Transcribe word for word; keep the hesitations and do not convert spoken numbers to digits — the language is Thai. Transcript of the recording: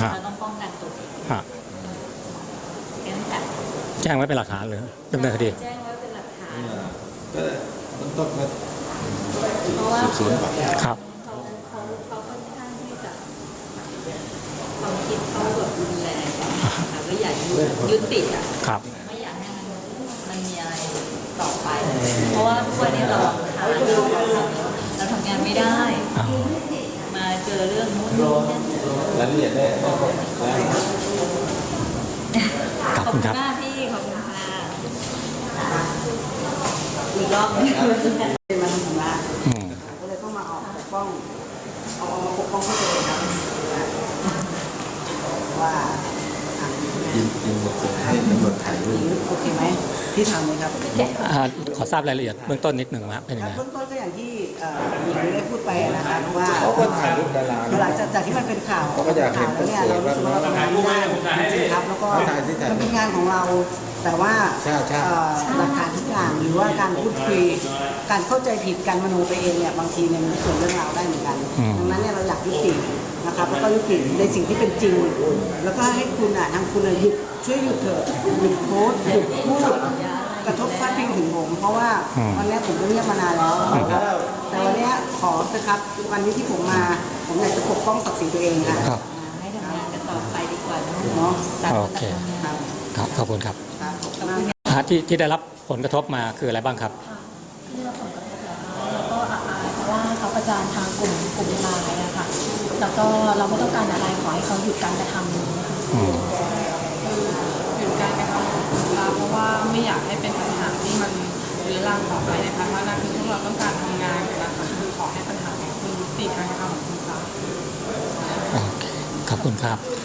เราต้องป้องกันตัวเองแค่นั้นแหละแจ้งไว้เป็นหลักฐานเลยดำเนินคดีแจ้งไว้เป็นหลักฐานก็ต้นต้นก็เพราะว่าสืบสวนก่อนครับเขาเขาเขาค่อนข้างที่จะความคิดเขาแบบรุนแรงแต่ก็อยากยึดติดอ่ะไม่อยากให้มันมันมีอะไรต่อไปเพราะว่าทุกวันนี้เราหาเรื่องเราทำงานไม่ได้มาเจอเรื่องนู้นรายละเอียดได้ขอบคุณครับมากพี่ขอบคุณค่ะอีกรอบนึงเป็นมาทำงานก็เลยต้องมาออกปกป้องเอาออกมาปกป้องเขาเลยครับว่ายินยินบอกให้ตำรวจถ่ายรูปโอเคไหมที่ทำเลยครับขอทราบรายละเอียดเบื้องต้นนิดหนึ่งนะเป็นยังไงเบื้องต้นก็อย่างที่หญิงได้พูดไปนะครับว่าเขาก็ถ่ายรูปดาราหลังจากที่มันเป็นข่าวเขาก็อยากเห็นแล้วเนี่ยเรารู้สึกว่าเราทำงานไม่ได้จริงๆครับแล้วก็มันเป็นงานของเราแต่ว่าหลักฐานทุกอย่างหรือว่าการพูดคุยการเข้าใจผิดการมโนไปเองเนี่ยบางทีเนี่ยมันส่วนเรื่องราวได้เหมือนกันดังนั้นเนี่ยเราอยากยุตินะครับแล้วก็ยุติในสิ่งที่เป็นจริงแล้วก็ให้คุณอ่ะทางคุณหยุดช่วยหยุดเถอะหยุดโพสหยุดพูดกระทบพาดพิงถึงผมเพราะว่าวันนี้ผมก็เงียบมานานแล้วแต่วันนี้ขอนะครับวันนี้ที่ผมมาผมอยากจะปกป้องศักดิ์ศรีตัวเองค่ะให้ทำงานกันต่อไปดีกว่าเนาะโอเคครับขอบคุณครับที่ที่ได้รับผลกระทบมาคืออะไรบ้างครับที่ได้รับผลกระทบแล้วก็อายเพราะว่าเขาประจานทางกลุ่มกลุ่มไลน์นะคะแล้วก็เราไม่ต้องการอะไรขอให้เขาหยุดการกระทำนี้ค่ะหยุดการกระทำของคุณตาเพราะว่าไม่อยากให้เป็นปัญหาที่มันเรื้อรังต่อไปนะคะเพราะนั่นคือพวกเราต้องการทำงานกันนะคะคือขอให้ปัญหาของคุณยุติการกระทำของคุณตาโอเคขอบคุณครับ